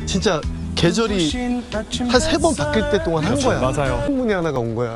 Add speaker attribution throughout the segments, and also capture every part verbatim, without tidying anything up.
Speaker 1: 진짜 계절이 한 세 번 바뀔 때 동안 한 거야.
Speaker 2: 맞아요.
Speaker 1: 풍문이 하나가 온 거야.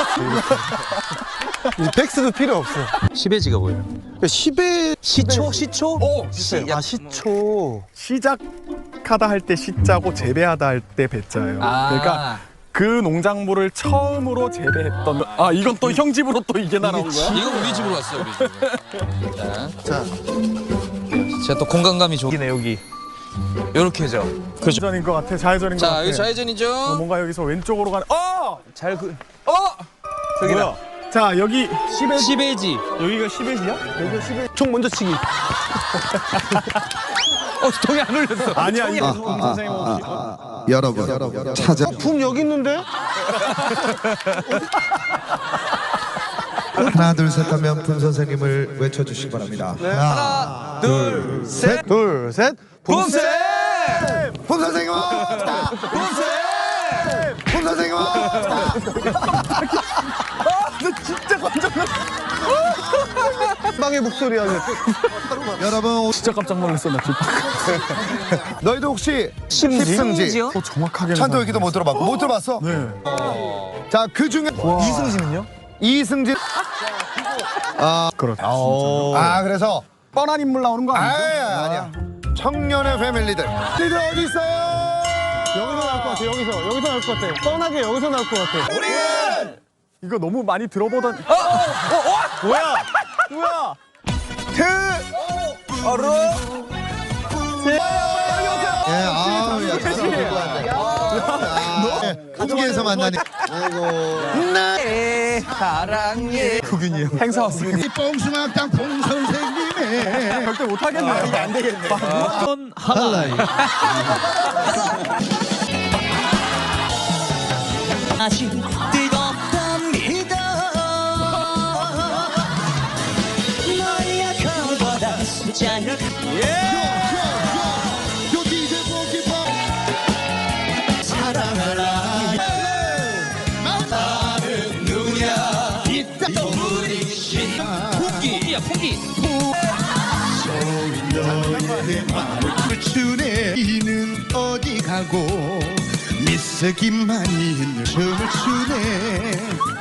Speaker 1: 이 백스도 필요 없어.
Speaker 3: 시베지가 뭐예요?
Speaker 1: 그러니까 시베
Speaker 3: 시초? 시초?
Speaker 2: 오!
Speaker 3: 시,
Speaker 1: 아 시초.
Speaker 2: 시작하다 할 때 시자고 재배하다 할 때 배자예요.
Speaker 3: 아.
Speaker 2: 그러니까 그 농작물을 처음으로 재배했던. 아 이건 또 형 집으로 또 이게 날아온 거야?
Speaker 3: 이거 우리 집으로 왔어요, 우리 집으로. 자,
Speaker 1: 자,
Speaker 3: 제가 또 공간감이 좋네, 여기. 요렇게 해죠.
Speaker 2: 좌회전인 것 같아. 좌회전인 것
Speaker 3: 자,
Speaker 2: 같아.
Speaker 3: 여기 좌회전이죠.
Speaker 2: 어, 뭔가 여기서 왼쪽으로 가는. 어!
Speaker 3: 잘 그, 어! 저기다.
Speaker 2: 뭐야? 자 여기 시베.
Speaker 3: 시베지.
Speaker 2: 여기가 시베지야? 여기가 시베.
Speaker 1: 총 먼저 치기.
Speaker 3: 어, 동이 안 울렸어.
Speaker 2: 아니야 이거
Speaker 4: 아,
Speaker 2: 송
Speaker 4: 아,
Speaker 2: 선생님
Speaker 4: 아,
Speaker 2: 혹시.
Speaker 4: 아, 아, 여러분 찾아
Speaker 1: 붐 여기 있는데?
Speaker 4: 하나 둘 셋 하면 품 선생님을 외쳐주시기 바랍니다. 하나
Speaker 3: 둘, 셋.
Speaker 1: 둘, 셋.
Speaker 3: 붐쌤!
Speaker 4: 품 선생님 왔다.
Speaker 3: 붐쌤!
Speaker 4: 품 선생님 왔다.
Speaker 2: 진짜 깜짝 놀랐어.
Speaker 1: 빵의 목소리 하는.
Speaker 4: 여러분
Speaker 2: 진짜 깜짝 놀랐어 나 지금.
Speaker 4: 너희도 혹시
Speaker 3: 심지?
Speaker 4: 십승지
Speaker 3: 심지요?
Speaker 2: 어, 정확하게.
Speaker 4: 찬토 얘기도 못 들어봤고 못 들어봤어?
Speaker 2: 네.
Speaker 4: 자 그 중에
Speaker 3: 이승진은요?
Speaker 4: 이승진. 아,
Speaker 2: 그렇다.
Speaker 4: 아 그래서
Speaker 2: 뻔한 인물 나오는 거 아니야?
Speaker 4: 아니야 아니야. 청년의 패밀리들. 니들 어디 있어요?
Speaker 1: 여기서 나올 것 같아. 여기서 여기서 나올 것 같아. 뻔하게 여기서 나올 것 같아.
Speaker 2: 이거 너무 많이 들어보던. 어, 어, 어, 뭐야? 뭐야?
Speaker 4: 트. 예, 아, 야, 한국에서 만나니. 아이고.
Speaker 3: 내 사랑해.
Speaker 2: 국윤이요. 행사 왔습니다.
Speaker 4: 뽕수막당 뽕 선생님의.
Speaker 2: 절대 못 하겠네. 아, 이게 안 되겠네.
Speaker 3: 하나.
Speaker 5: 다시 뜨겁답니다. 너의 약함보다 숫자를
Speaker 4: 사랑하라. 나는 누구냐? 이따 부딪힌
Speaker 3: 풍기야, 풍기.
Speaker 4: 너의 마음을 추네. 이는 어디 가고 미스김만 있는 춤을 추네.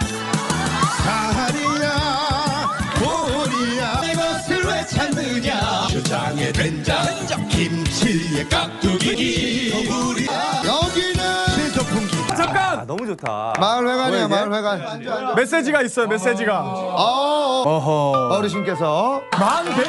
Speaker 4: 사리야 보리야 이것을 왜 찾느냐. 주장에 된장 김치에 깍두기 여기는 세조풍기.
Speaker 2: 잠깐.
Speaker 3: 너무 좋다.
Speaker 4: 마을회관이야 마을회관.
Speaker 2: 메시지가 있어요. 메시지가.
Speaker 4: 어,
Speaker 2: 어허.
Speaker 4: 어르신께서
Speaker 2: 만 백.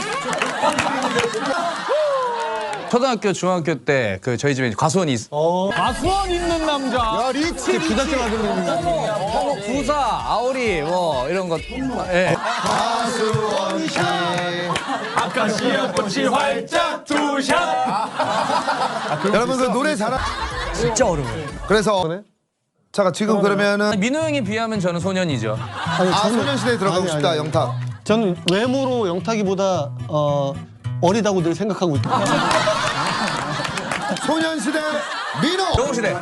Speaker 3: 초등학교, 중학교 때 그 저희 집에 과수원이 있어.
Speaker 2: 가수원 있는 남자.
Speaker 4: 야 리치
Speaker 1: 부잣집 아들님.
Speaker 3: 뭐 부사, 아오리 뭐 이런 것. 예.
Speaker 4: 가수원씨.
Speaker 2: 아카시아 꽃이 활짝 투샷.
Speaker 4: 여러분 그 노래 잘하.
Speaker 3: 진짜 어려워요.
Speaker 4: 그래서 잠깐 지금 그러면은
Speaker 3: 민호 형에 비하면 저는 소년이죠.
Speaker 1: 아니,
Speaker 4: 아
Speaker 1: 저는,
Speaker 4: 소년시대에 들어가고
Speaker 1: 아니,
Speaker 4: 싶다
Speaker 1: 아니, 아니.
Speaker 4: 영탁.
Speaker 1: 저는 외모로 영탁이보다 어, 어리다고 늘 생각하고 있다.
Speaker 4: 소년시대 민호.
Speaker 3: 영웅시대.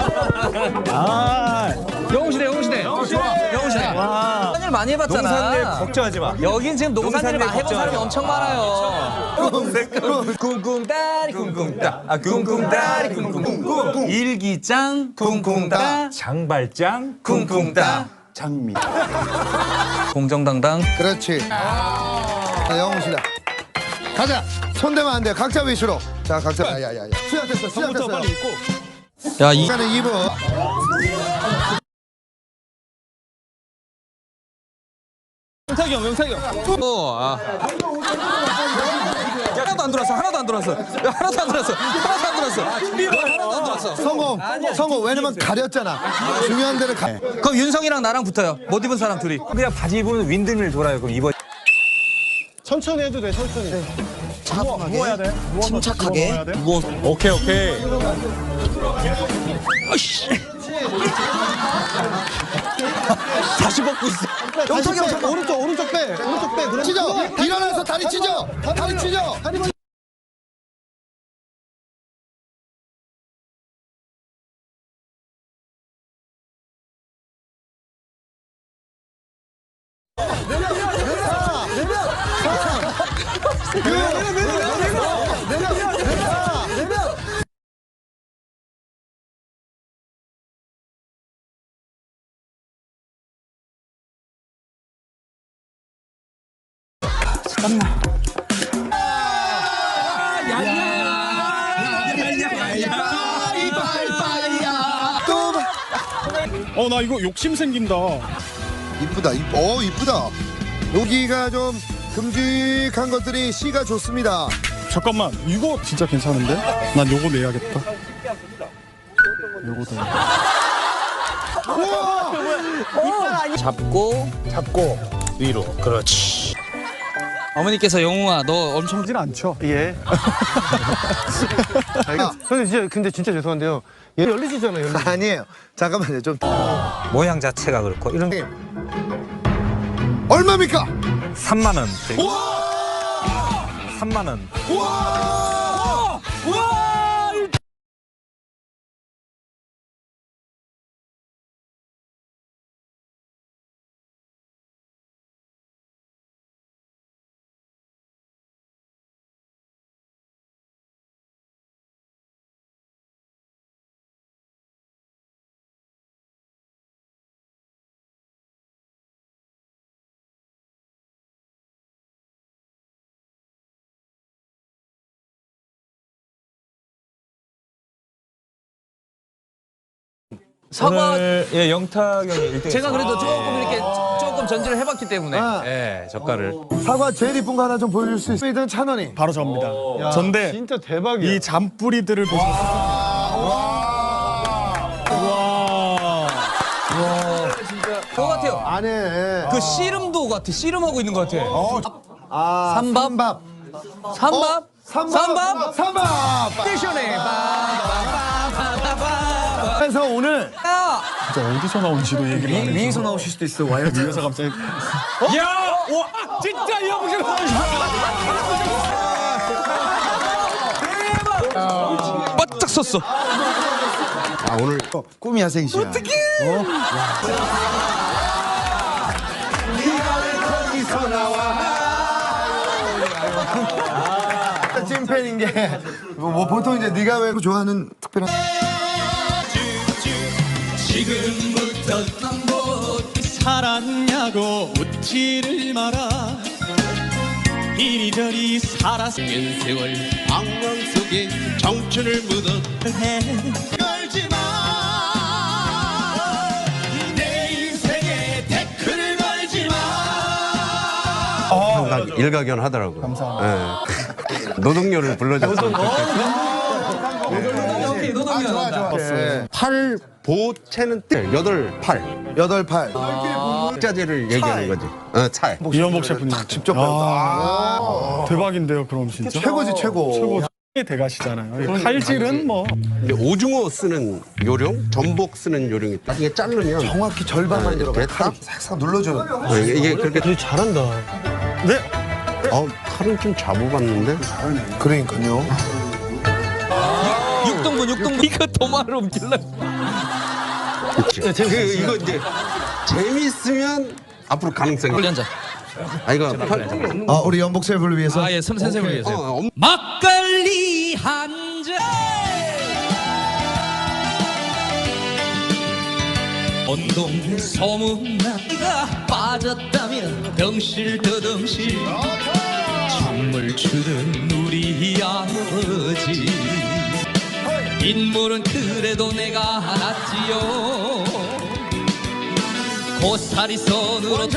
Speaker 3: 아, 영웅시대, 영웅시대. 영웅시대. 영웅시대. 농사일 많이 해봤잖아.
Speaker 2: 농사일 걱정하지 마.
Speaker 3: 여긴 지금 농사일 많이 해본 사람이 엄청 많아요. 쿵쿵따리 쿵쿵따. 아, 쿵쿵따리 쿵쿵쿵. 일기장 쿵쿵따.
Speaker 2: 장발장.
Speaker 3: 쿵쿵따.
Speaker 2: 장미.
Speaker 3: 공정당당.
Speaker 4: 그렇지. 자, 영웅시대. 가자. 손대면 안 돼. 각자 위주로. 자 각자. 야야야야. 시작됐어. 시작됐어.
Speaker 2: 빨리 입고.
Speaker 3: 야, 이
Speaker 4: 시간은 이 분.
Speaker 2: 영탁이 형, 영탁이 형.
Speaker 3: 어, 아. 하나도 안 들어왔어. 하나도 안 들어왔어. 하나도 안 들어왔어. 하나도 안 들어왔어. 하나도 안 들어왔어.
Speaker 4: 성공. 성공. 왜냐면 가렸잖아. 중요한 데를 가.
Speaker 3: 그럼 윤성이랑 나랑 붙어요. 못 입은 사람 둘이.
Speaker 2: 그냥 바지 입으면 윈드밀 돌아요. 그럼 입어.
Speaker 1: 천천히 해도 돼, 천천히.
Speaker 2: 누워야 돼. 누워서
Speaker 5: 침착하게.
Speaker 2: 누워야 돼. 누워서. 오케이 오케이.
Speaker 3: 다시 벗고 있어.
Speaker 1: 영탁이 형, 잠깐 오른쪽, 오른쪽 빼. 오른쪽 빼. 그럼
Speaker 4: 찢어. 일어나서 다리 찢어. 다리 찢어.
Speaker 1: 다리
Speaker 2: 어 나 이거 욕심 생긴다.
Speaker 4: 이쁘다. 이- 어 이쁘다. 여기가 좀 큼직한 것들이 씨가 좋습니다.
Speaker 2: 잠깐만 이거 진짜 괜찮은데? 난 요거 내야겠다. 요거다.
Speaker 3: 잡고
Speaker 4: 잡고
Speaker 3: 위로. 그렇지. 어머니께서 영웅아 너 엄청
Speaker 1: 진 않죠. 예. 아, 근데 진짜 근데 진짜 죄송한데요. 얘 열리시잖아요. 열리.
Speaker 4: 아니에요. 잠깐만요. 좀
Speaker 6: 모양 자체가 그렇고 이런
Speaker 4: 얼마입니까?
Speaker 6: 삼만 원. 삼만 원.
Speaker 3: 사과
Speaker 6: 오늘 예 영탁 형이 일 등.
Speaker 3: 제가 그래도 조금 이렇게 조금 전지를 해봤기 때문에
Speaker 4: 아.
Speaker 3: 예 젓갈을
Speaker 4: 사과 제일 이쁜 거 하나 좀 보여줄 수 있어요? 일단 천 원이.
Speaker 2: 바로 접니다.
Speaker 1: 야,
Speaker 2: 전데
Speaker 1: 진짜 대박이야.
Speaker 2: 이 잔뿌리들을 보셔서 와.
Speaker 3: 그거 같아요.
Speaker 4: 안에
Speaker 3: 그 씨름도 같아. 씨름하고 있는 것 같아.
Speaker 4: 아,
Speaker 3: 삼밥?
Speaker 4: 삼밥.
Speaker 3: 삼밥?
Speaker 4: 삼밥.
Speaker 3: 삼밥?
Speaker 4: 삼밥.
Speaker 3: 패션에
Speaker 4: 그래서 오늘
Speaker 3: 야!
Speaker 2: 진짜 어디서 나온지도 얘기를 안 해줘.
Speaker 3: 위에서 나오실 수도 있어. 와요.
Speaker 2: 위에서 갑자기 야! 와! 진짜 이 형식
Speaker 3: 바짝 섰어.
Speaker 4: 아 오늘 꿈이 야생시야. 어떻게? 거기서 나와. 찐팬인 게 뭐 보통 이제 네가 왜 좋아하는 특별한
Speaker 5: 지금부터 넌뭐 살았냐고 묻지를 마라 이리저리 살았은 세월 악몽 속에 청춘을 묻어해 걸지마 내 인생에 태클을 걸지마
Speaker 7: 상당히 일가견하더라고요. 감사합니다. 노동요를 불러줬으면 좋겠고.
Speaker 3: 오케이, 노동요 나온다.
Speaker 7: 팔 보채는 뜰 여덟 팔
Speaker 4: 여덟 팔.
Speaker 7: 자재를 얘기하는 거지. 어, 찰.
Speaker 2: 이현복 셰프님
Speaker 4: 직접 배웠다.
Speaker 2: 아, 대박인데요, 그럼 진짜.
Speaker 4: 최고지 최고.
Speaker 2: 최고 대가시잖아요. 칼질은 뭐
Speaker 7: 근데 오징어 쓰는 요령, 전복 쓰는 요령이 있다. 이게 자르면
Speaker 4: 정확히 절반만 들어가.
Speaker 7: 이렇게 딱
Speaker 4: 싹싹 눌러줘.
Speaker 7: 어, 이게, 이게 그렇게
Speaker 1: 되게 잘한다.
Speaker 2: 네.
Speaker 7: 어, 칼은 좀 잡아봤는데
Speaker 4: 그러니까요.
Speaker 3: 육등분, 육등분. 이거 도마를 옮길래.
Speaker 7: 그치. 그, 이거 이제 재밌으면 앞으로 가능성이
Speaker 3: 빨리 앉아.
Speaker 7: 아 이거 팔,
Speaker 4: 아 우리 연복 셰프를 위해서.
Speaker 3: 아, 예, 선, 선생님을 위해서.
Speaker 7: 어, 엄-
Speaker 3: 막걸리 한 잔. 온동 소문나가 빠졌다면 덩실 더덩실 춤을 추던 우리 아버지 인물은 그래도 내가 낫지요 고사리 손으로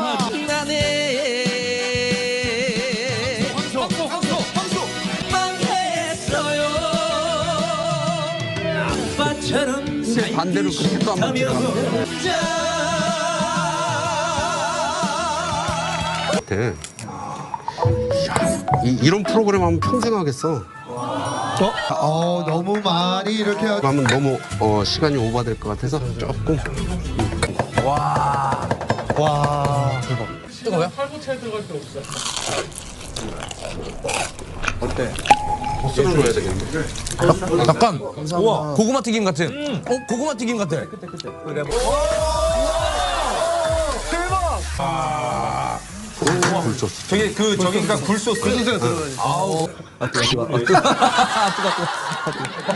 Speaker 3: 따라준다네 황소 황소 황소 망했어요 아빠처럼
Speaker 7: 근데 반대로 그렇게 또 한번 들어가. 같아. 이, 이런 프로그램 하면 평생 하겠어.
Speaker 4: 어 너무 많이 이렇게.
Speaker 7: 하면 너무 어, 시간이 오버될 것 같아서 조금.
Speaker 1: 와 대박.
Speaker 3: 뜨거워요?
Speaker 7: 소스를 넣어야 되겠네.
Speaker 3: 잠깐. 우와, 고구마 튀김 같은. 어, 고구마 튀김 같아.
Speaker 7: 굴소스.
Speaker 6: 저게 그 저기 그러니까 굴소스.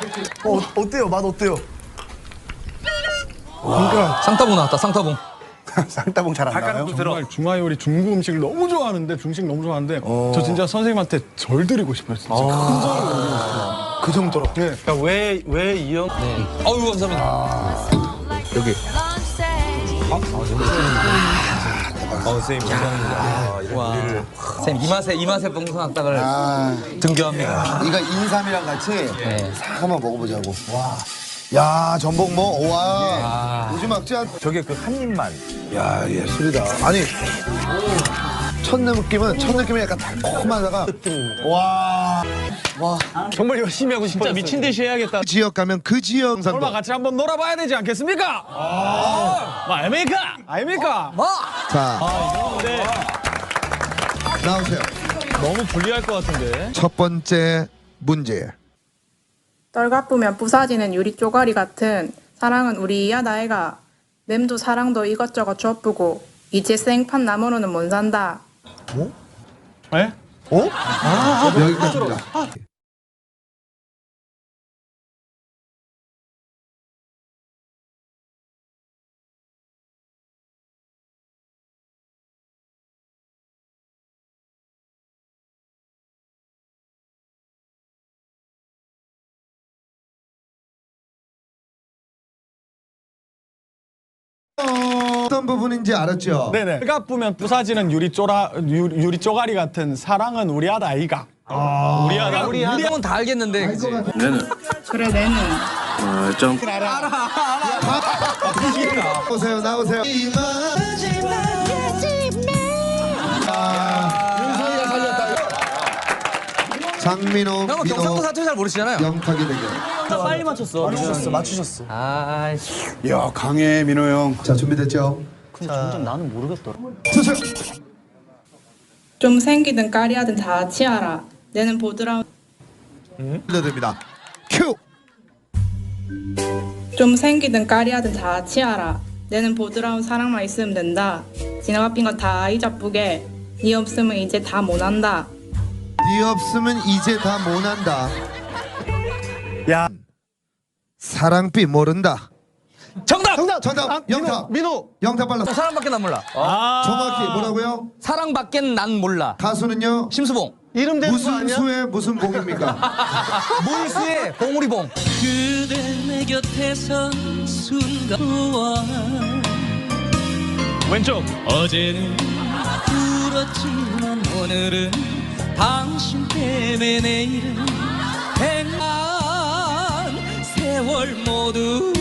Speaker 4: 어 어때요? 맛 어때요?
Speaker 3: 상타봉 나왔다, 상타봉.
Speaker 4: 쌍따봉 잘 안 나와요.
Speaker 2: 정말 중화 요리 중국 음식을 너무 좋아하는데 중식 너무 좋아하는데 저 진짜 선생님한테 절 드리고 싶어요. 진짜 큰 절을 올리고 싶어요.
Speaker 4: 그 정도로.
Speaker 2: 네.
Speaker 1: 왜왜 이형?
Speaker 3: 어우 감사합니다.
Speaker 4: 여기.
Speaker 6: 어, 선생님 감사합니다.
Speaker 3: 와. 선생님 이 맛에 이 맛에 봉선학당을
Speaker 4: 아,
Speaker 3: 등교합니다.
Speaker 4: 이거 인삼이랑 같이
Speaker 3: 네.
Speaker 4: 싹 한번 먹어보자고. 와. 야, 전복 뭐, 와. 요즘 막자.
Speaker 6: 저게 그 한 입만.
Speaker 4: 야, 예술이다. 아니, 첫 느낌은, 첫 느낌이 약간 달콤하다가. 와.
Speaker 2: 정말 열심히 하고 싶어요. 진짜 미친 듯이 해야겠다.
Speaker 4: 그 지역 가면 그 지역
Speaker 2: 설마
Speaker 4: 상도.
Speaker 2: 같이 한번 놀아봐야 되지 않겠습니까? 아, 아닙니까? 아닙니까?
Speaker 3: 뭐?
Speaker 4: 자,
Speaker 2: 근데
Speaker 4: 나오세요.
Speaker 2: 너무 불리할 것 같은데.
Speaker 4: 첫 번째 문제.
Speaker 8: 떨가쁘면 부사지는 유리 쪼가리 같은 사랑은 우리 이야 나이가 맴도 사랑도 이것저것 줘쁘고 이제 생판 나무로는 못 산다.
Speaker 2: 네?
Speaker 4: 여기까지입니다. 어떤 부분인지 알았죠?
Speaker 2: 네네. 해가 뿌면 부사지는 유리 쪼라 유, 유리 쪼가리 같은 사랑은 우리 아다 아이가. 우리 아다 우리
Speaker 3: 우리 형은 다 알겠는데 그치?
Speaker 8: 그래 내는
Speaker 4: 나오세요, 나오세요. 윤소희가 살렸다. 장민호,
Speaker 3: 형은
Speaker 4: 민호,
Speaker 3: 경상도 사투리 잘 모르시잖아요.
Speaker 4: 영탁이 대결.
Speaker 1: 빨리 맞췄어. 맞추셨어. 맞추셨어.
Speaker 3: 아,
Speaker 4: 야, 강해, 민호 형. 자, 준비됐죠?
Speaker 1: 근데 점점 나는 모르겠더라.
Speaker 4: 주세요.
Speaker 8: 좀 생기든 까리하든 다 치아라. 내는 보드라운
Speaker 4: 들려드립니다. 큐!
Speaker 8: 좀 생기든 까리하든 다 치아라. 내는 보드라운 사랑만 있으면 된다. 지나가 빈 거 다 잊어쁘게. 니 없으면 이제 다 못한다.
Speaker 4: 네 없으면 이제 다 못한다.
Speaker 2: 야.
Speaker 4: 사랑비 모른다.
Speaker 3: 정답!
Speaker 1: 정답.
Speaker 4: 정답,
Speaker 1: 아,
Speaker 4: 영탁.
Speaker 1: 민호. 민호.
Speaker 4: 영탁 빨라.
Speaker 3: 사랑밖에 난 몰라.
Speaker 4: 정확히 뭐라고요?
Speaker 3: 사랑밖에 난 몰라.
Speaker 4: 가수는요?
Speaker 3: 심수봉.
Speaker 1: 이름 되는 거
Speaker 4: 무슨
Speaker 1: 아니야?
Speaker 4: 수의 무슨 봉입니까?
Speaker 3: 물수의 봉우리봉.
Speaker 5: 그대 내 곁에 선 순간과
Speaker 2: 왼쪽.
Speaker 5: 어제는 울었지만 오늘은 당신 때문에 내일은 백만 세월 모두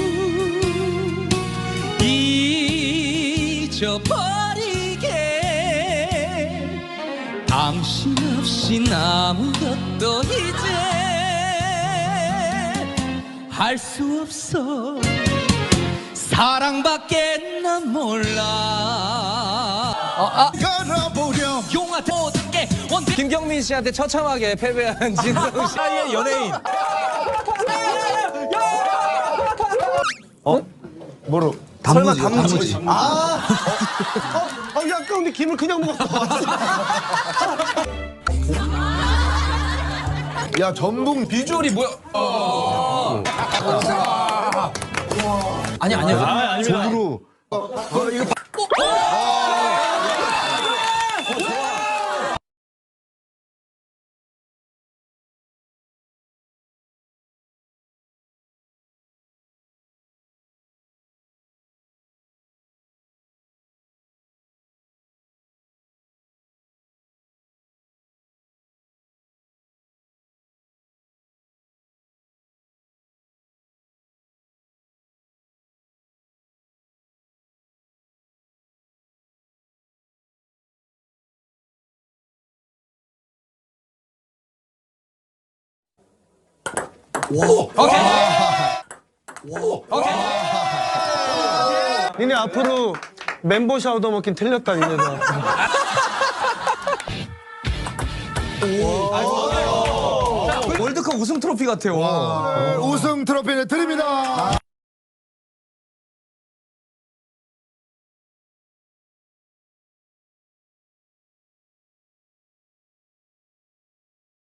Speaker 5: 잊어버리게 당신 없인 아무것도 이제 할 수 없어 사랑밖에 난 몰라
Speaker 3: 어, 아,
Speaker 4: 걸어보려.
Speaker 5: 용화 어떻게 원대
Speaker 3: 김경민 씨한테 처참하게 패배한 진성 씨의 연예인.
Speaker 4: 뭐로?
Speaker 1: 설마
Speaker 4: 단무지.
Speaker 1: 단무지. 아. 어, 어, 어, 약간 근데 김을 그냥 먹었어.
Speaker 4: 야, 전북
Speaker 3: 비주얼이 뭐야? 아니 아니요.
Speaker 2: 아, 아닙니다.
Speaker 4: 비주로.
Speaker 1: 니네 앞으로 멤버 샤워도 먹긴 틀렸다 니네들.
Speaker 3: 월드컵 우승 트로피 같아요.
Speaker 4: 우승 트로피를 드립니다.